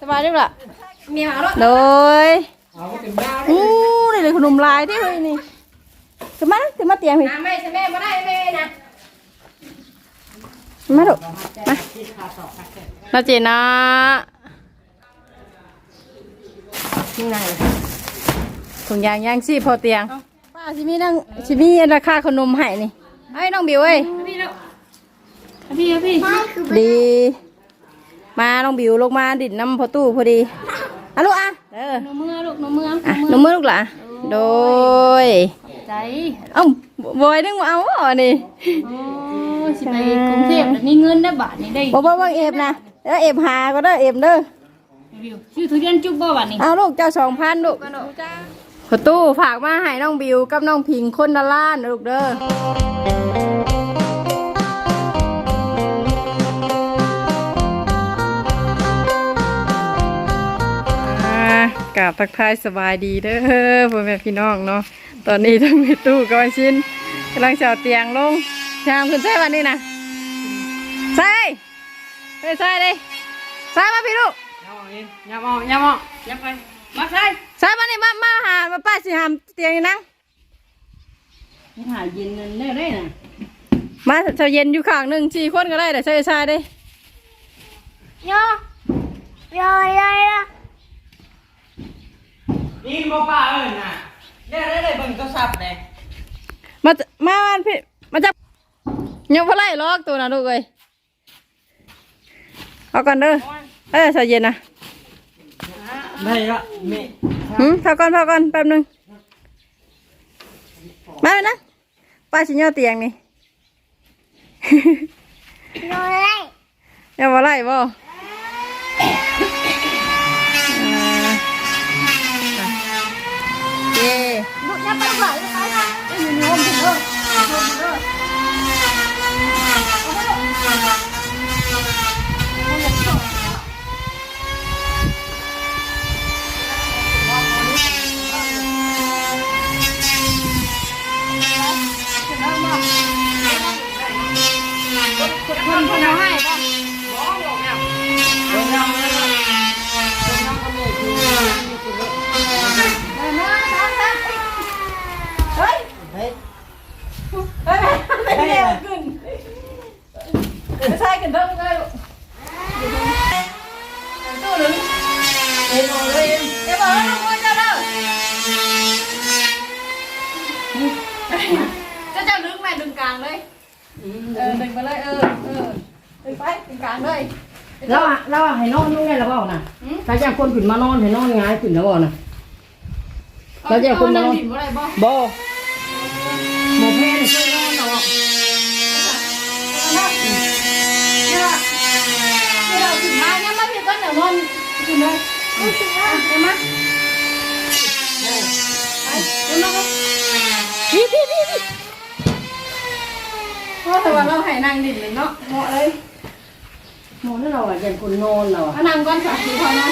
บายดีล่ะเมียเอาแล้วโดยนี่เลยขนมลายที่เฮ้ยนี่ขึ้นมาเตียงพี่ไม่ใช่แม่ไม่ได้แม่นะมาดูมาเราเจนะนี่ไงถุงยางย่างซี่พอเตียงป้าชิมีราคาขนมให้นี่ไอ้น้องบิวเอ้ยพี่ดีมาน้องบิวลงมาดิดน้ำพอตู้พอดีอ่ะลูกอ่ะนมมือลูกนมมืออ่ะนมมือลูกหล่ะโดยใจบอยนึกว่าเอานี่โอ้สิไปกรุงเทพมีเงินได้บาทนี่ได้บ่เอฟนะแล้วเอฟหาก็ได้เอฟเด้อชื่อทุเรียนจุกบ่บาทนี่เอาลูกเจ้า2,000ลูกพอตู้ฝากมาให้น้องบิวกับน้องพิงคนละล้านลูกเด้อกับทักทายสบายดีเด้อพ่อแม่พี่น้องเนาะตอนนี้ทั้งมีตู้กับชิ้นกำลังเฉาเตียงลงชามขึ้นใส่วันนี้นะใส่ใส่เลยใส่มาพี่ลูกยับไปมาใส่มานี่มาหามาป้าสิหามเตียงนั่งหาเย็นได้น่ะมาเช้าเย็นอยู่ข้างหนึ่ง4 คนก็ได้แต่ใส่ได้ย่นี่บ่ป้าเอ้ยน่ะได้เบิ่งโทรศัพท์เลยมาพี่มาจับยังพอไล่ล็อกตัวนะลูกเอ้ยเอาก่อนเด้อเช้าเย็นนะได้ละแม่พอก่อนแป๊บนึงมาเลยนะป้าชิญย่อเตียงนี่ยังพอไล่บ่ลูกยับไปหน่อยไปนะอยู่ในห้องถึงคนเอาให้ป่ะบ้องหรอกเนี่ยน้องก็ไม่คือเฮ้ยไม่เร็วขึ้นใช่กันเท่าไหร่ตู้หนึ่งเอ็นบอกเลยเอ็นบอกแล้วน้องเจ้าเด้อเจ้าลึกแม่ดึงกลางเลยดึงไปเลยดึงไปดึงกลางเลยแล้วให้นอนนู่นไงแล้วบ่น่ะถ้าจะคนขึ้นมานอนให้นอนง่ายขึ้นแล้วบ่น่ะแล้วจะคนมานอนบ่หมอแพทย์ช่วยนอนหรอเราถึงมาเนี่ยมาพี่ก็เดี๋ยวนอนถึงเลยถึงแล้วเดี๋ยวมาเดี๋ยวมาพี่เพราะแต่ว่าเราให้นางดินเลยเนาะเหมาะเลยนอนให้เราอ่ะอย่างคนนอนเราอ่ะนางก้อนสาธิตพอนอน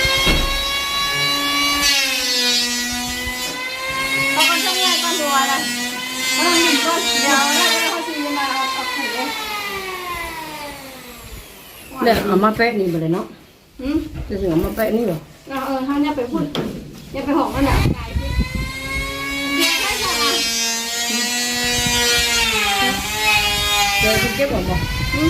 เขาก็ช่างง่ายก้อนตัวเลยเขาต้องดินก้อนเดียวแล้วก็เขาชี้มาเอาขุดเลยเดี๋ยวเอามาแปะนี่ไปเลยเนาะจะถึงเอามาแปะนี่เหรอท่านอย่าไปพูดอย่าไปหอกมันอ่ะเดี๋ยวคุณเก็บออกบ่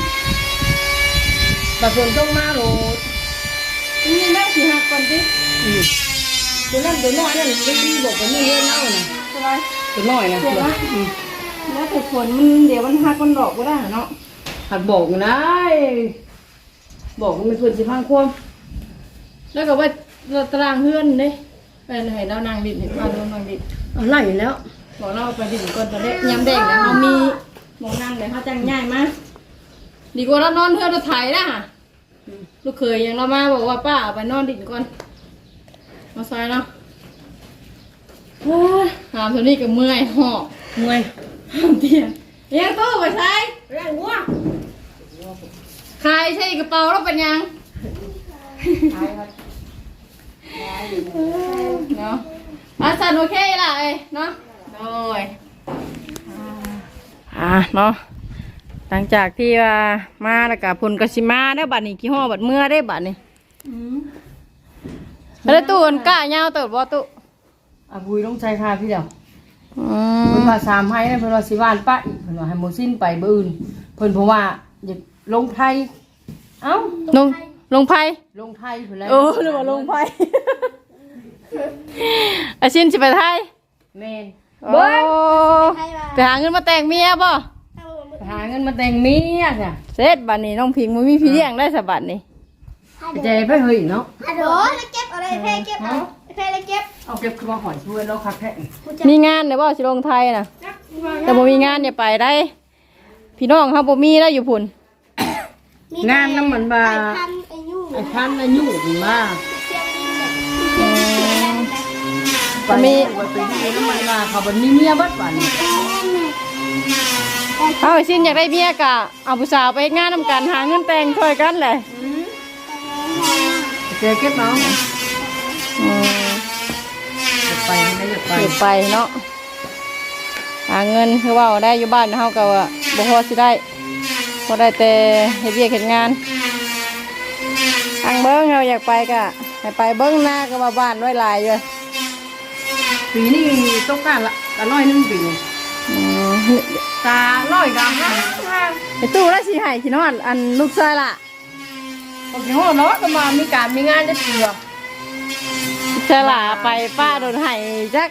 แต่ฝนต้องมาโหลนี่นั่งสีหักก่อนสิตัวน้อยนั่นไม่ดีบอกว่านี่เล่นเล่าน่ะตัวน้อยนะแล้วแต่ฝนมันเดี๋ยวมันหักมันดอกก็ได้เนาะหักบอกนะบอกว่ามันควรสิพังควมแล้วก็ว่าเราตารางเพื่อนเด้ไปให้เรานางดินเห็นว่าเรานางดินไล่แล้วบอกเราไปดินก่อนตอนนี้ยำแดงนะเรามีหมองนางเลยเขาจังง่ายมากดีกว่าเรานอนเพื่อเราถ่ายนะลูกเคยยังเรามาบอกว่าป้าไปนอนดินก่อนมาใส่เนาะหามตัวนี้กับเมื่อยหอบเมื่อยหามเตียงยังตู้ไปใส่แรงวัวใครใช่กระเป๋าเราเป็นยังเนาะสันโอเคล่ะเนาะโดยเนาะหลังจากที่ว่ามาแล้วกับพลกสิมาได้บัดนี้กี่ห่อบัดเมื่อได้บัดนี้แล้วตู้มันกล้ายาวเติบบ่ตู้บุยต้องใช้ค่าพี่เดียวอืเพิ่นมว่า3ให้นะเพิ่นว่าสิว่านปะอีกเพิ่นว่าให้หมดสิ้นไปเบิ่อื่นเพิ่นเพราะว่าอยากลงไทยเอ้าลงไพ่ลงไทยเพิ่นแล้วโอ้หรือว่าลงไพ่ อาชินสิไปไทยแม่นโอ้ไปหาเงินมาแต่งเมียบ่ไปหาเงินมาแต่งเมียจ้ะเสร็จบัดนี้น้องพิงบ่มีพี่เลี้ยงได้สะบัดนี้ใจไปเฮ้ยเนาะฮัลโหลแล้วเก็บอะไรเพ่เก็บเอาเพ่แล้วเก็บเอาเก็บคือว่าหอยช่วยเราคักแท้มีงานเดี๋ยวบ่สิลงไทยน่ะแต่บ่มีงานอย่าไปได้ พี่น้องเฮาบ่มีแล้วอยู่พุ่นงานน้ำมันบ่าไก่พันไอ้ยูไอ้พันอายุนี่มาเสียงดินแบบเสียงดินแบบไปมีไปดีน้ำมันมาเขาบ่มีเมียเบัดบัดนี้เอาอาชินอยากได้เมียกะเอาผู้สาวไปเฮ็ดงานนำกันหาเงินแต่งช่วยกันแหละเจอเก็บเนาะอืมจะไปไม่ได้จะไปอยู่ไปเนาะหาเงินคือว่าได้อยู่บ้านเฮาก็ว่าบ่พอสิได้พอได้แต่เฮ็ดเวียกเฮ็ดงานทางเบิ่งเฮาอยากไปก็ให้ไปเบิ่งหน้าก็ว่าบ้านไว้หลายอยู่ปีนี้ต้องการละกันน้อยนึงปีนี้อืมตาร้อยดำนะไอ้ตู้แล้วสิให้ขี้นอนอันลูกชายล่ะโอ้โหเนาะก็มามีการมีงานจะเถื่อลูกชายล่ะไปป้าโดนให้จัก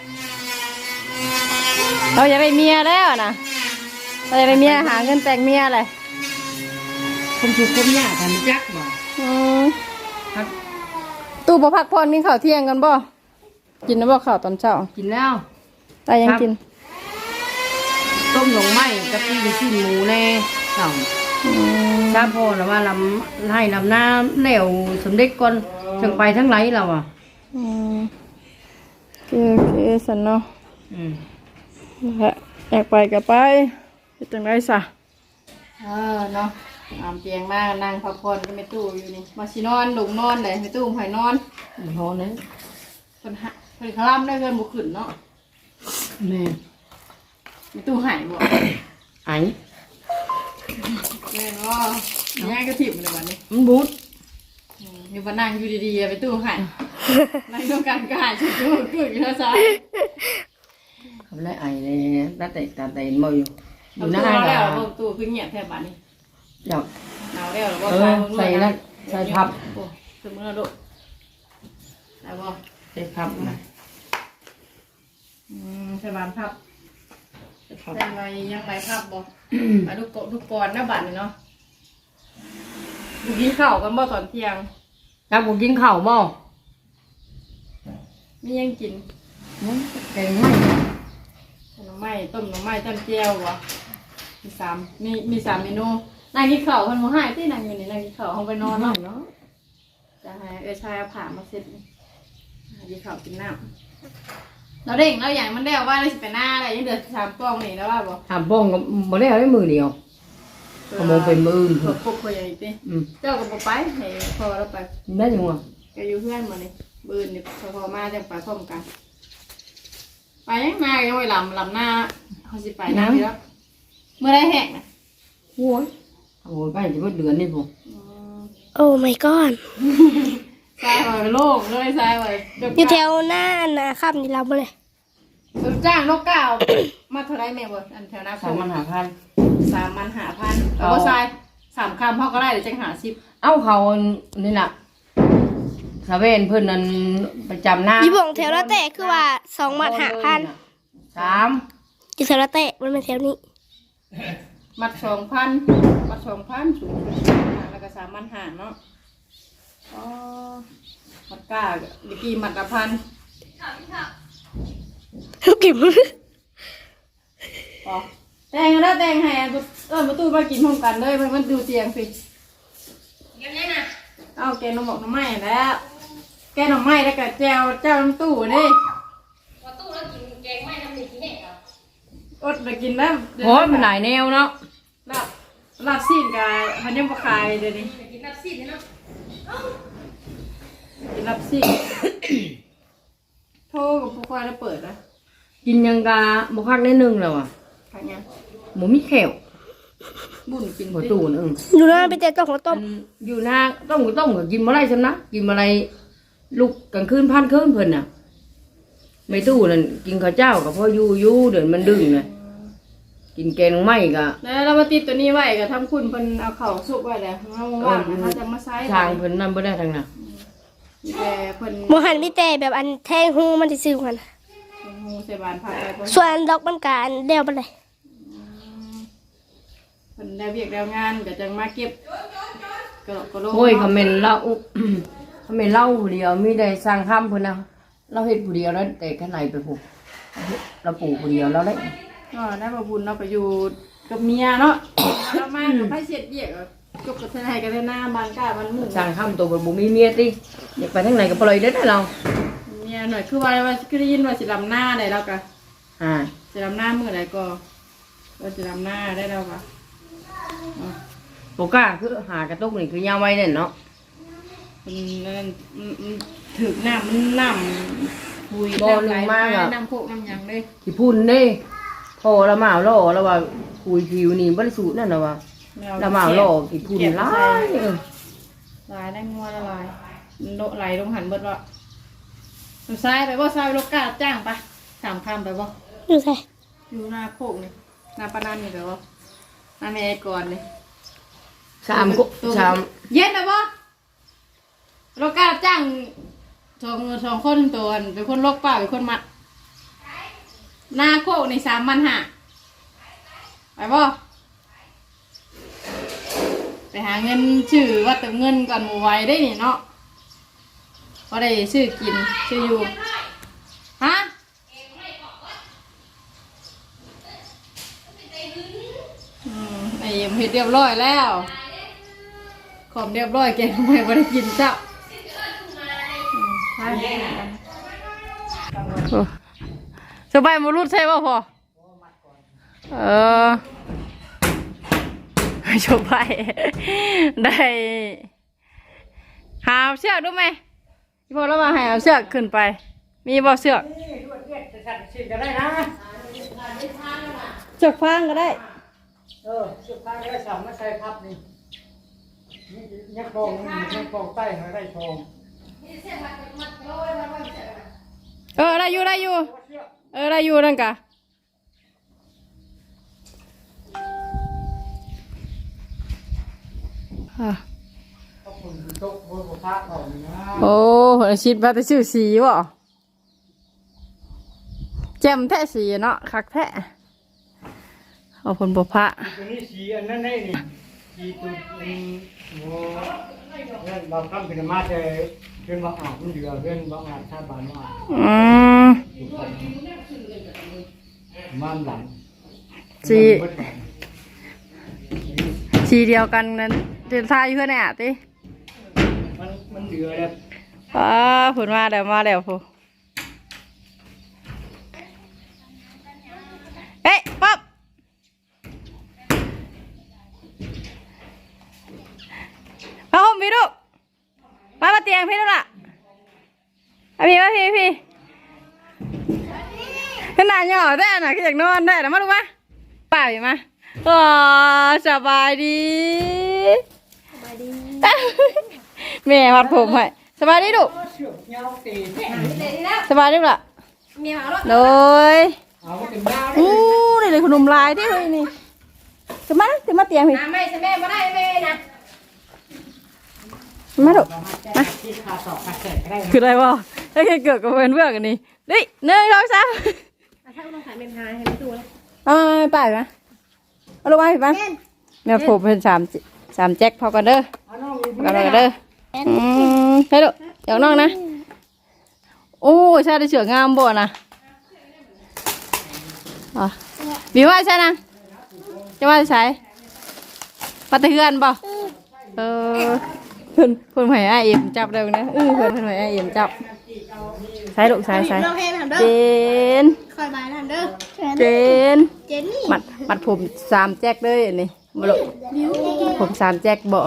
เราอยากได้เมียแล้วนะเราอยากได้เมียหาเงินแต่งเมียเลยคนถูกคนยากกันจักบ่อืมครับตู้บ่พักผ่อนกินข้าวเที่ยงกันบ่กินนะบ่ข้าวตอนเช้ากินแล้วตายังกินต้มหน่อไม้กับปิ้งชิ้นหมูแน่เจ้าอืมถ้าพอแล้วว่าลำให้ลำน้ำแล้วสมเด็จก่อนจังไปทั้งไหลเราอ่ะอืมโอเคสันเนาะอืมอยากไปก็ไปเฮ็ดจังได๋ซะเนาะอามเตียงมานั่งพักผ่อนก็ไม่ตู้อยู่นี่มาสินอนลงนอนได้ไม่ตู้ให้นอนพอนั้นเพิ่นคลำได้เพิ่นบ่ขึ้นเนาะแม่ไม่ตู้ให้บ่ไอ้แม่นบ่ย่างก็ถิ่มเลยบัดนี้มันบูดอยู่บ้านนั่งอยู่ดีๆไปตู้ให้นั่งต้องการก็หายชุดตู้ขึ้นอยู่แล้วซะเขาเลยไอ้เลยตาเตะตาเตะมาอยู่อยู่หน้าตู้แล้แล้ว วตู้คือเงียบแท้บัดนี้อยากหนาวแล้วบ่ใส่นั่นใส่พับโอ้สมื้อละโดได้บ่ใส่พับนะใส่บานพับใส่พับใส่ใบยังใบพับบ่ไปทุกก่อนนะบัดนี้เนาะกินข้าวกันบ่ตอนเที่ยงถ้าผมกินข้าวบ่มียังกินแกงไม่หน่อไม้ต้มหน่อไม้ต้มเจียวบ่มีสามเมนูนางกินข้าวเพิ่นบ่ให้ตินางอยู่นี่นางกินข้าวเฮาไปนอนเนาะเนาะจะให้ชายเอาผ่ามาเสร็จนี่กินข้าวกินน้ำเราเด้งเราอย่างมันได้ว่าเราสิไปหน้าอะไรยังเดือด3กล่องนี่แล้วว่าบ่ทำป้องก็บ่ได้เอาได้มือเดียวขโมยเป็นมืออื่นพวกพวกอย่างนี้ติ เจ้าก็บ่ไปให้พอเราไปได้ยังวะก็อยู่เพื่อนมานี่บืนนี่พอมาจังไปพร้อมกัน ไปยังมายังไว้ลำหน้าเขาสิไปน้ำแล้วเมื่อไรแหกนะโอ้ยโอ้ยไปจะว่าเดือนนี่ผมโอ้ my god ทรายไว้โล่งเลยทรายไว้อยู่แถวหน้านะครับนี่เราบ่เลยจ้างนกก้าวมาเท่าไรแม่บ่อันแถวหน้า 3,500 3,500เอาทราย3 คำพ่อก็ได้เดี๋ยวจัง50 เอาเขานี่น่ะสะเวนเพิ่นนั่นประจำหน้ายี่บ่งแถวละเตะคือว่า2 บาท 5,000 3 อยู่แถวละเตะมันเป็นแถวนี้มัด2,000มัด2,000สูงแล้วก็3,500เนาะอ๋อมัดก้าเมื่อกี้มัดละ1,000 กิบอ๋อแต่งแล้วแต่งให้ประตูมากินพร้อมกันเลยมันดูเตียงสิเอาแกงหน่อหมกหน่อไม้แล้ว แกงหน่อไม้แล้วก็แจวเจ้าน้ำตู้นี่ตู้แล้วกินแกงไม้น้ำหนึ่งที่ไหนอดไปกินแล้วโอ้ยมันหลายแนวเนาะลาบซีนกับพันยำปลาคายเดี๋ยวนี้กินลาบซีนเนาะกินลาบซีนโทรกับผู้ควายแล้วเปิดนะกินยังกะบ่คักได้นึงแล้วอ่ะขายยังหมูมีแขวบุญกินบ่ตู้นึงอยู่หน้าไปเตะต้มข้าวต้มอยู่หน้าต้มก็กินบ่ได้ซั่นนะกินบ่ได้ลูกกลางคืนพันคืนเพิ่นน่ะไม่ตู้นั่นกินข้าวเจ้ากับพ่ออยู่เดี๋ยวมันดึงน่ะกินแกงไม่ก็แล้วเรามาติดตัวนี้ไว้ก็ทำคุณเพิ่นเอาเข่าสุกไว้แล้วเอาว่างเขาจะมาใช้ทางเพิ่นนั่นบ่ได้ทางน่ะแต่เพิ่นหมูหันมีแต่แบบอันแทงหูมันจะซื้อมันงูใส่บานผักอะไรเพิ่นส่วนดอกมันกอันเดียวไปเลยเพิ่นได้เวียกแล้วงานก็จะมาเก็บก็ลงโอ้ยคอมเมนต์เล่า คอมเมนต์เล่าผู้เดียวมีได้สร้างคำเพิ่นน่ะเราเฮ็ดผู้เดียวแล้วแต่ข้างในไปผูกเราปลูกผู้เดียวแล้วได้ก็ได้มาบุญเราไปอยู่กับเมียเนาะเรามากับไผเสียดเวียกจบกับทนายกันหน้าบ้านก้าบ้านหมู่สร้างคำตัวบ่มีเมียติอยากไปทางไหนก็ปล่อยเด้อเราเมียหน่อยคือว่าคือได้ยินว่าสิลำหน้าได้แล้วก็ สิลำหน้ามื้อใดก็ว่าสิลำหน้าได้แล้วก็บ่กล้าคือหากระตุกนี่คือยามไว้นั่นเนาะมันถึกน้ำมันน้ำบุยน้ำโคกน้ำยังเลยที่พุ่นเด้พอละหมาล่อแล้วว่าคุยผิวนี่บ่ได้สูตรนั่นน่ะว่าละหมาล่อที่พุ่นหลายลายได้งัวละลายโดไหลลงหันเบิดว่าซ้ายไปบ่ซ้ายลูกกาจ้างปะ3 คำไปบ่อยู่ใส่อยู่หน้าโคกนี่หน้าปานนันนี่ไปบ่หน้าแม่ก่อนนี่ 3 เย็นนะบ่ลูกกาจ้างสองคนตัวเป็นคนลกป่าเป็นคนมัดหน้าโคกใน3,500ไปบ่ไปหาเงินชื่อว่าเติมเงินก่อนหมู่ไว้ได้นี่เนาะพอได้ชื่อกินชื่ออยู่ฮะไอ้เอ็มเฮ็ดเรียบร้อยแล้วขอมเรียบร้อยแกทำไมไม่ได้กินเจ้าสบายมารุดใช่ป่ะพอชมไปได้หาเชือกดูไหมพี่พอแล้วมาหาเชือกขึ้นไปมีบ่เชือกเชือกฟางก็ได้สุดท้ายได้สามมาใส่พับนี่ยักษ์ปองใต้หาได้ทองได้อยู่ได้อยู่ได้อยู่นั่นกะโอ้หัวชิดว่าจะชื่อสีวะแจ่มแท้สีเนาะคักแท้เอาผลบุพะตัวนี้สีอันนั้นได้นี่สีตัวโอ้นั่นบางคำเป็นมาแต่เรื่องบางอาจมันเดือดเรื่องบางอาจชาบานว่ามันหลังสีเดียวกันนั้นเดินทางอยู่เพื่อนเนี่ยติมันเดือดเลยผลมาแล้วพูเฮ้ยป๊อบมาห่มพี่ลูกมาเตียงพี่ลูกล่ะพี่ขนาดหย่อได้น่ะก็อยากนอนได้นะมาลูกมาป่าอยู่มาสบายดีแม่วัดผมให้สบายดีลูกสบายดีล่ะโดยเลยขนมลายที่เฮ้ยนี่จะมาเตียงพี่ไม่ใช่แม่ไม่ได้แม่นะมาดูมาคืออะไรวะถ้าเกิดกับเพื่อนกันนี่ดิ1 2 3 ถ้าต้องขายเป็นหาให้ไม่ดูเลยไปนะเอาลงมาผิดบ้างเนี่ยผมเป็น3 แจ็คพอกันเด้อกันเด้อให้ดูเดี๋ยวน้องนะโอ้ใช่ได้เชือกงามบ่นะบีว่าใช่นะจะว่าใช่ปัตตะเฮือนบ่เพิ่นหอยไอเอ็มจับได้นะเพิ่นหอยไอเอ็มจับใส่ลูกใส่เจนคอยบายนั่นเด้อเจนนี่มัดผม3 แจ็คเลยนี่บ่ลูกผม3 แจ็คบ่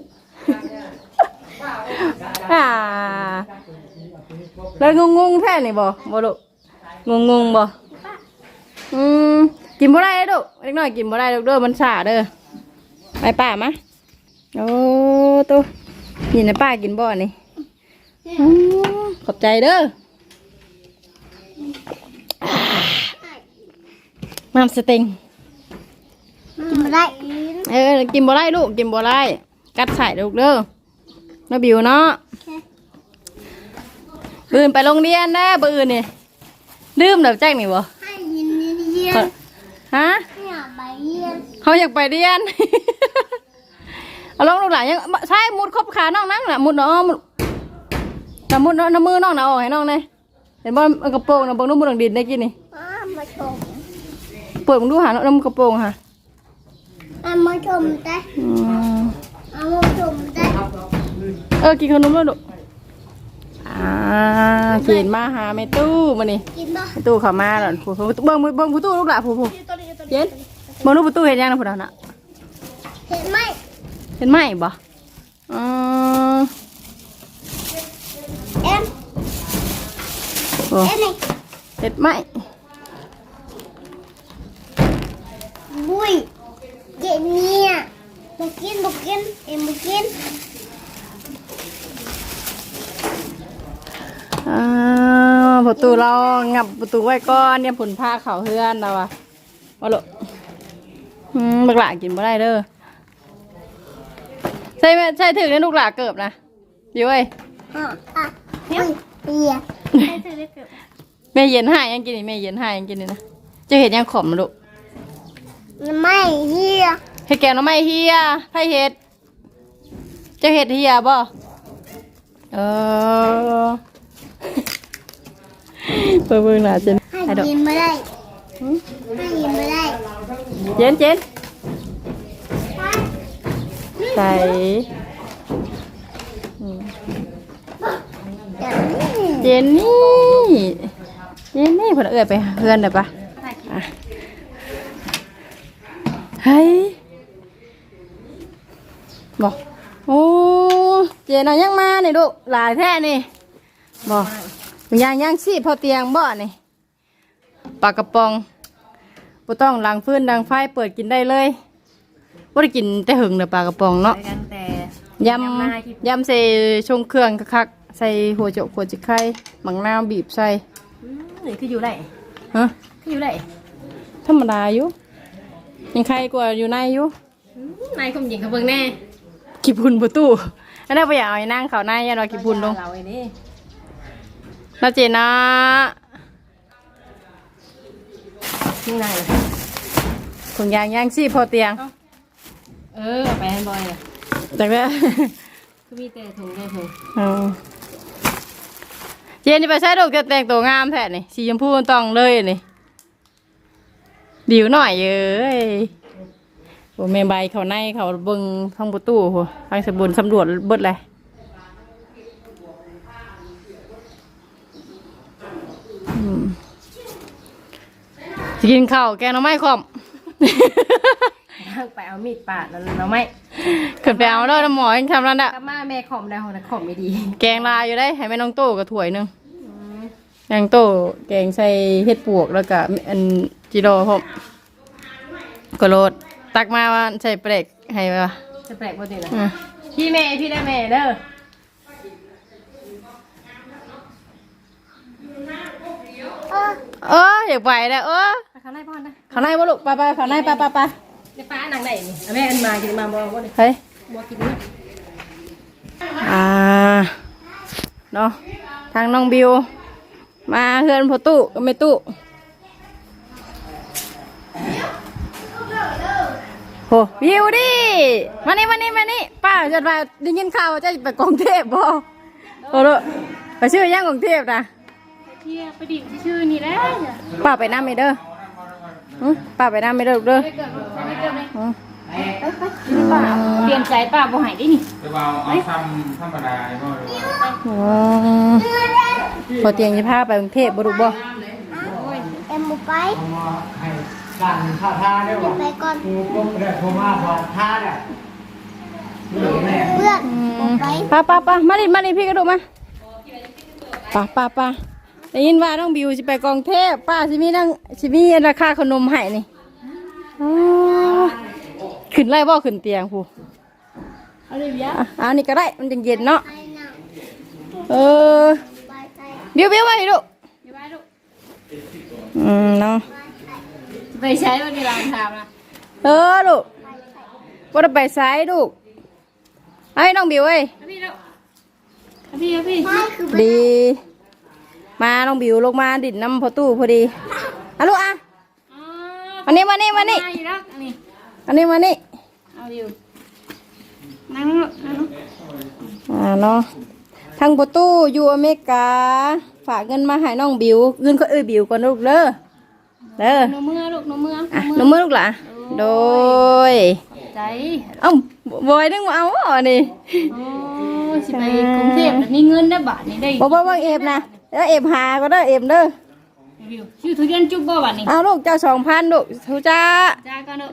แล้วงงแท้นี่บ่ลูกงงบ่กินบ่ได้ลูกเล็กน้อยกินบ่ได้ลูกเด้อมันซ่าเด้อไปป้ามาโอ้ตัวนี่นะป้ากินบ่อนี่ขอบใจเด้อน้ำสเต็งกินไม่ได้กินบ่ได้ลูกกินบ่ได้กัดใส่ลูกเด้อน้าบิวเนาะปืนไปโรงเรียนนะปืนนี่ลืมเดี๋ยวแจ้งนี่บ่ให้ยินเยียนฮะให้อยากไปเยียนเขาอยากไปเรียน เอาลองลูกหลานยังใช่มุดครบขาน้องนั่งน่ะมุดเนาะมุดแต่มุดเนาะน้ำมือน้องน่ะออกให้น้องเลยเห็นบ่มันกระโปรงน่ะบ่นุ่มบ่ดังดินได้กินนี่มาชมเปิดมึงดูหาน้ำกระโปรงค่ะมาชมได้มาชมได้กินขนมแล้วลูกเขียนมาหาแม่ตู้มานี่กินบ่แม่ตู้เข้ามาแล้วผู้เบิ่งผู้ตู้ลูกหล่ะผู้เย็นเบิ่งลูกผู้ตู้เห็นยังนะผู้นั้นน่ะเห็นไหมเห็นไหมบ่เอ็มโอ้เอ็มนี่เห็นไหมบุยเย็นเนี่ยบุกินเอ็มบุกินประตูเรางับประตูไว้ก่อนเนี่ยผลผ้าเขาเฮือนเราอะว่าลูกบักหลากินบ่ได้เด้อใช่ถึงในลูกหลาเกิบนะอยู่เว้ยเฮียเฮียแม่เย็นให้ยังกินนี่แม่เย็นให้ยังกินนี่นะจะเห็ดยังขมนะลูกไม่เฮียเห็ดแกงน้ำไม้เฮียไผ่เห็ดจะเห็ดเฮียบ่เปิดเบิ่งหน่าเจนให้ยินไม่ได้ให้ยินไม่ได้เจนใส่เจนนี่พอเอื้อไปเฮือนได้ปะเฮ้ยบอกโอ้เจนยังมานี่ลูกหลายแท้นี่บอกย่างสิพอเตียงบ่นี่ปลากระป๋องบ่ต้องล้างฟืนล้างไฟเปิดกินได้เลยบ่ได้กินแต่หึงเด้อปลากระป๋องเนาะยำใส่ชงเครื่องคักๆใส่หัวโจกหัวจิกไข่หมังนาวบีบใส่นี่คืออยู่ไหนฮะคืออยู่ไหนธรรมดาอยู่ยังใครกว่าอยู่ในอยู่นายคมหญิงเขาเบิ่งแน่ขี้พุ่นประตูอันนั้นไปอยากเอาไอ้นั่งเขาในยันว่าขี้พุ่นลงเราไอ้นี่เราเจนะนี่นายเลยถุงยางย่างชีพพอเตียงไปให้บอยเลยจากนั้นคือมีแต่ถุงได้ถุงเจนี่ไปใช้ดอกจะแต่งตัวงามแท้นี่สีชมพูต้องเลยนี่ดิวหน่อยเอ้ยโอ้แม่ใบเขาในเขาเบิ่งท้องประตูโหทางสมบูรณ์สำรวจเบิดเลยจะกินข้าวแกงหน่อไม้คอมไปเอามีดปาดแล้วเราไม่ขึ้นไปเอาแล้วน้ำหมอยังทำนั่นอะกลับมาแม่ขอมได้หัวนะขอมไม่ดีแกงลายอยู่ได้ให้แม่น้องโต้กับถ้วยหนึงแกงโต้แกงใส่เห็ดปวกแล้วก็อันจิโร่พร้อมกระโดดตักมาว่าใส่เปรกให้ป่ะจะแปลกปกตินะพี่ได้แม่เด้ออยากไปแล้วเขาไล่พ่อนะเขาในบ่ลูกไปเขาในไปในป้าหนังไหนนี่แม่อันมากินมาบอกว่าเฮ้ยบัวกินนี่เนาะทางน้องบิวมาเฮือนพอตู้ก็ไม่ตู้โหบิวดิมานี่ป้าจะไปได้ยินข่าวว่าจะไปกรุงเทพบ่โอ้โหไปชื่อย่างกรุงเทพนะเที่ยไปดิ่งชื่อนี่แหละป้าไปน้ำไม่เด้อป้าไปน้ำไม่เด้อเด้อป้าเตรียมใจป้าบ่หายได้นี่จะเอาทำธรรมดาเลยพ่อเลยพอเตียงจะพาไปกรุงเทพบ่รู้บ่เอ็มบุไปสั่งท่าท่าได้หรอไปก่อนกูก็ได้โทรมาบอกท่าเนี่ยเพื่อนบุไปป้ามาดิพี่กระดูกมาป้าได้ยินว่าน้องบิวจะไปกรุงเทพป้าสิมีราคาขนมให้นี่ขึ้นไล่บ่ขึ้นเตียงผู้อันนี้ก็ได้มันจังเย็นเนาะไอ้น่ะบิวไปลูกเนาะไปใช้วันนี้ลานทำนะลูกว่าจะไปซ้ายลูกไอ้น้องบิวเอ้ยพี่ลูกพี่ดีมาน้องบิวลงมาดิดน้ำพอตู้พอดีอ่ะลูกอ่ะมานี่มาอีกแล้วนี่อันนี้มานี่เอาอยู่นั่งลูกนั่งลูกเนาะทางประตูอยู่อเมริกาฝากเงินมาให้น้องบิวเงินก็บิวก่อนลูกเด้อหนูเมื่อลูกหนูเมื่อน้องมือลูกหล่ะโดยใจบอยนึงมาเอานี่โอ้สิไปกรุงเทพมีเงินได้บาทนี่ได้บ่เอฟนะแล้วเอฟหาก็ได้เอฟเด้อชื่อทุเรียนจุ๊บบ่บาทนี่เอาลูกเจ้า2,000ลูกทุจ้าจ้ากันเนอะ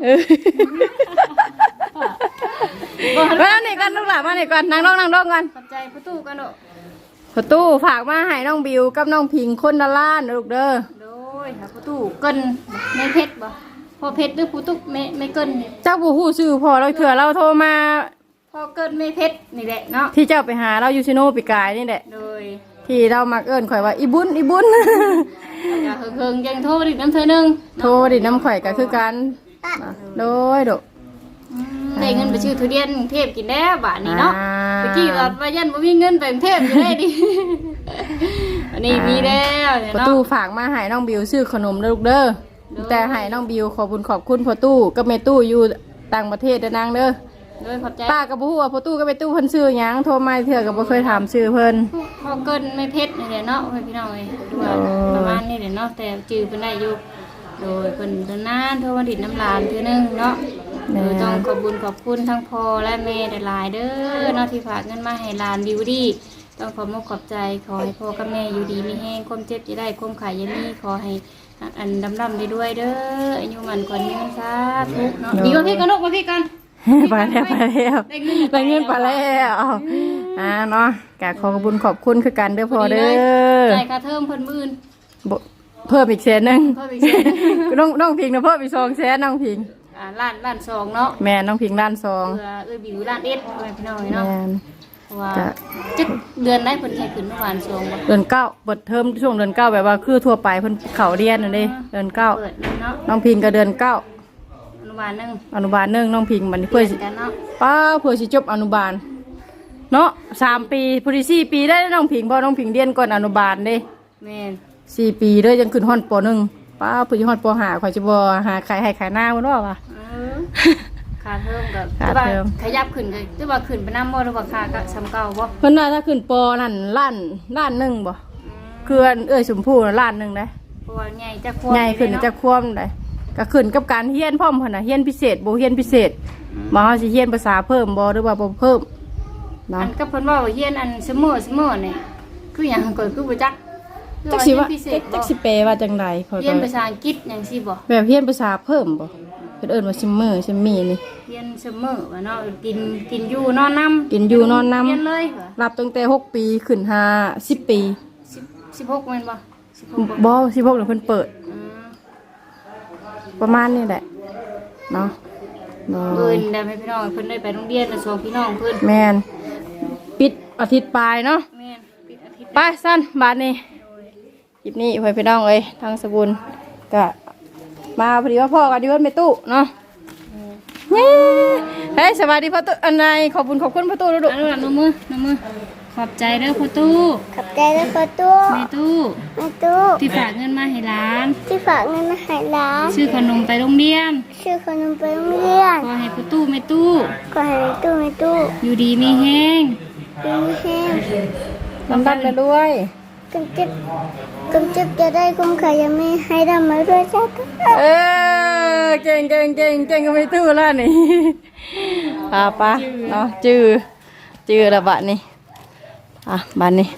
มานี่กันลูกหล่ะมานี่ก่อนนั่งลงก่อนขอบใจประตูกันเนอะประตูฝากมาให้น้องบิวกับน้องพิงคนละล้านลูกเด้อโดยหาประตูเกินไม่เพชรบ่พอเพชรหรือประตูไม่เกินเจ้าผู้ฮู้ชื่อพอเราเถื่อเราโทรมาพอเกินไม่เพชรนี่แหละเนาะที่เจ้าไปหาเราอยู่ซิโนปีกายนี่แหละโดยที่เรามักเอิ้นข่อยว่าอีบุญอย่าเฮิงยังโทษอีกน้ำเธอนึงโทรดิน้ำข่อยก็คือกันโดยดอกได้เงินไปชื่อทุเรียนกรุงเทพกินแล้วบาทนี้เนาะอ่าเมื่อกี้เราว่ายันบ่มีเงินไปกรุงเทพอยู่ได้ดิ อันนี้มีแล้วเนี่ยประเนาะตูฝากมาให้น้องบิวซื้อขนมเด้อลูกเด้อแต่ให้น้องบิวขอบคุณพ่อตู้กับแม่ตู้อยู่ต่างประเทศเด้อนางเด้อโดยขอบใจป้าก็บ่ฮู้ว่าพ่อตู้กับแม่ตู้เพิ่นชื่อหยังโทรมาเถื่อก็บ่เคยถามชื่อเพิ่นพอเกินไม่เพชรนี่แหละเนาะพี่น้องเอ้ยดูว่าประมาณนี้แหละเนาะแต่จื้อเพิ่นได้อยู่โดยเพิ่นนานโทรมาดิดน้ำลานเทื่อนึงเนาะโดยต้องขอบคุณทั้งพ่อและแม่หลายๆเด้อเนาะที่ฝากเงินมาให้หลานบิวดี้ต้องขอบใจขอให้พ่อกับแม่อยู่ดีมีแห้งความเจ็บจะได้ความขายยันนี่ขอให้อันดำได้ด้วยเด้ออายุมันก่อนนี้สาธุเนาะดีกว่าพี่กันลูกมาพี่กันไปแล้วได้เงินไปแล้วเนาะกะขอบคุณคือกันเด้อพ่อเด้อจ่ายค่าเทอมเพิ่นมื่นเพิ่มอีก100,000 เพิ่มอีกแสนน้องพิงนะเพิ่มอีก200,000น้องพิงล้านสองเนาะแม่น้องพิงล้านเพื่อบิวล้านเอ็ดพี่น้อง 2 เนาะแม่นว่าจะเดือนได้เพิ่นใช้ขึ้นเมื่อวานสองบ่เดือน9เปิดเทอมช่วงเดือน9แบบว่าคือทั่วไปเพิ่นเข้าเรียนนั่นเด้เดือนเปิดเนาะ 9น้องพิงก็เดือน9 อนุบาลนึงอนุบาล1น้องพิงบัดนี้เพื่อสิกันเนาะป้าเพื่อสิจบอนุบาลเนาะ3 ปีพอดี4 ปีได้น้องพิงเพราะน้องพิงเรียนก่อนอนุบาลเด้แม่น 4 ปีเด้อยังขึ้นฮอดป .1 ป้าเพิ่นสิฮอดป .5 ข่อยสิบ่หาขายให้ขายหน้าเพิ่นว่าว่ะค่าเทอมกับค่าเทอมขยับขึ้นก็จะว่าขึ้นไปนำบ่หรือว่าค่าก็ซ้ำเก่าบ่เพิ่นว่าถ้าขึ้นปนั่นล้านหนึงบ่คือชมพู่น่ะล้านหนึงเด้เพราะว่าใหญ่จะควบใหญ่ขึ้นจะควมได้ก็ขึ้นกับการเรียนพร้อมเพิ่นน่ะเรียนพิเศษบ่เรียนพิเศษบ่เฮาสิเรียนภาษาเพิ่มบ่หรือว่าบ่เพิ่มอัเนาะนก็เพิ่นว่าเฮียนอันเสมอนี่คือหยังก็คือบ่จักจักสิว่าพิเศษจักสิแปลว่าจังได๋เขาเรียนภาษาอังกฤษหยังสิบ่แบบเรียนภาษาเพิ่มบ่เพิ่นเอิ้นว่าซิมเมอร์ซิมมี่นี่เรียนเสมอว่าเนาะกินอยู่นอนนำกินอยู่นอนนำเรียนเลยเหรอรับตั้งแต่6 ปีขึ้น10 ปี 16แม่นบ่16 บ่16นี่เพิ่นเปิดอืมประมาณนี้แหละเนาะเนาะเพิ่นได้ให้พี่น้องเพิ่นได้ไปโรงเรียนน่ะสองพี่น้องเพิ่นแม่นปิดอาทิตย์ปลายเนาะแม่นปิดอาทิตย์ไปสั้นบาทนี้คลิปนี้เพื่อนพี่น้องเอ้ยทางสกุลก็มาพอดีว่าพ่อกันดีว่าไม่ตู้เนาะเย้เฮ้ยสวัสดีพ่อตู้อันไหนขอบคุณพ่อตู้ลูกเอาลูกหลานน้ำมือขอบใจเด้อพ่อตู้ขอบใจแล้วประตูแม่ตู้แม่ตู้ที่ฝากเงินมาให้ร้านที่ฝากเงินมาให้ร้านซื้อขนมไปโรงเรียนชื่อขนมไปโรงเรียนขอให้พ่อตู้แม่ตู้ก็ให้แม่ตู้แม่ตู้อยู่ดีมีแห้งยิ้มแห้งลำดันเลยด้วยกำจับจะได้คุ้มขายยังไม่ให้ดำมาด้วยจ้าเก่งก็ไม่ตู้แล้วนี่ป้าเนาะจื้อละบาทนี่บาทนี่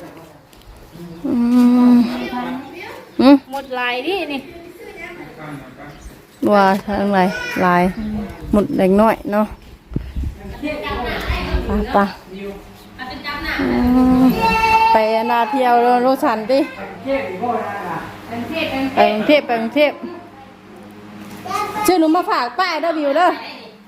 หมดลายดินี่ว่าทางไหนลายหมดเด็กน้อยเนาะป้าไปนาเที่ยวโรสันดิไปกรุงเทพชื่อหนูมาฝากป้ายเด้อวิวเด้อ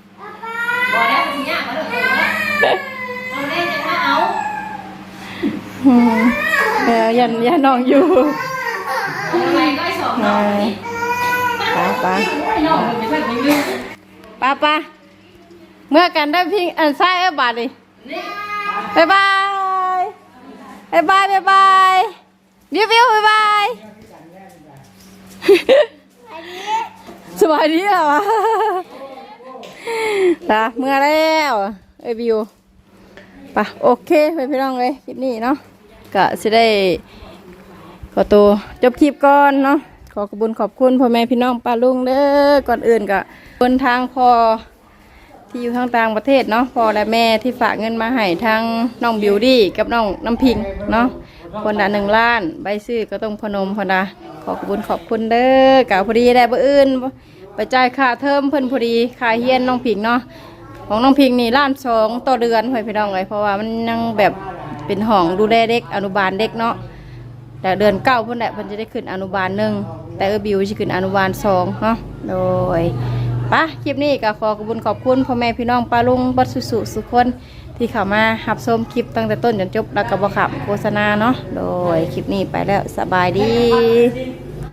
บอกแล้วสิยากมาเด้อเอาได้จะมาเอายันน้องอยู่อะไรก็สองน้องนี่ป้าน้องไม่ใช่เป็นเรื่องป้าเมื่อกันได้พิงอันซ้ายบาทดิบ๊ายบายวิวบ๊ายบายสวัสดีเหรอวะนะเมื่อแล้ววิวป่ะโอเคไปพี่น้องเลยคลิปนี้เนาะก็จะได้ขอตัวจบคลิปก่อนเนาะขอขอบคุณพ่อแม่พี่น้องป้าลุงเด้อก่อนอื่นก็คนทางพ่อที่อยู่ทางต่างประเทศเนาะพ่อและแม่ที่ฝากเงินมาให้ทางน้องบิวดี้กับน้องน้ำพิงเนาะคนละ1 ล้านใบซื้อก็ต้องพนมพนะขอขอบคุณเด้อกะพอดีได้บ่อื่นไปจ่ายค่าเทอมเพิ่นพอดีค่าเฮียนน้องพิงเนาะของน้องพิงนี่1,200,000ต่อเดือนให้พี่น้องเลยเพราะว่ามันยังแบบเป็นห้องดูแลเด็กอนุบาลเด็กเนาะแต่เดือน9เพิ่นแหละเพิ่นจะได้ขึ้นอนุบาล1แต่บิวสิขึ้นอนุบาล2เนาะโดยปะคลิปนี้ก็ขอขอบคุณพ่อแม่พี่น้องป้าลุงบัดสุคนที่เข้ามารับชมคลิปตั้งแต่ต้นจนจบแล้วก็บ่ขับโฆษณาเนาะโดยคลิปนี้ไปแล้วสบายดี